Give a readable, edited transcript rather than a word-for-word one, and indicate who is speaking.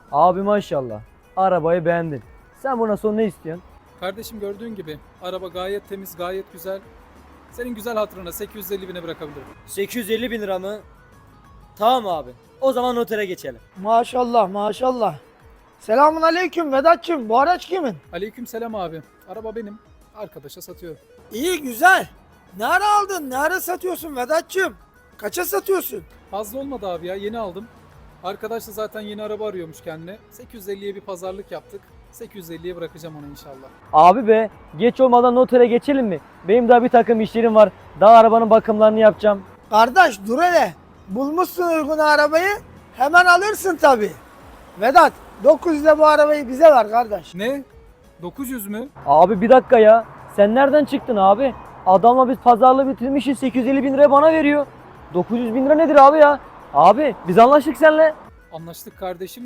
Speaker 1: Abi maşallah. Arabayı beğendin. Sen buna son ne istiyorsun?
Speaker 2: Kardeşim gördüğün gibi araba gayet temiz, gayet güzel. Senin güzel hatırına 850 bine bırakabilirim.
Speaker 3: 850 bin lira mı? Tamam abi. O zaman notere geçelim.
Speaker 4: Maşallah maşallah. Selamun aleyküm Vedat'cığım. Bu araç kimin?
Speaker 2: Aleyküm selam abi. Araba benim. Arkadaşa satıyorum.
Speaker 4: İyi güzel. Ne ara aldın? Ne ara satıyorsun Vedat'cığım? Kaça satıyorsun?
Speaker 2: Fazla olmadı abi ya, yeni aldım. Arkadaş da zaten yeni araba arıyormuş kendine. 850'ye bir pazarlık yaptık. 850'ye bırakacağım onu inşallah.
Speaker 1: Abi be, geç olmadan notere geçelim mi? Benim daha bir takım işlerim var. Daha arabanın bakımlarını yapacağım.
Speaker 4: Kardeş dur hele. Bulmuşsun uygun arabayı. Hemen alırsın tabii. Vedat 900'de bu arabayı bize ver kardeş.
Speaker 2: Ne? 900 mü?
Speaker 1: Abi bir dakika ya. Sen nereden çıktın abi? Adamla biz pazarlığı bitirmişiz. 850 bin liraya bana veriyor. 900 bin lira nedir abi ya? Abi biz anlaştık seninle.
Speaker 2: Anlaştık kardeşim.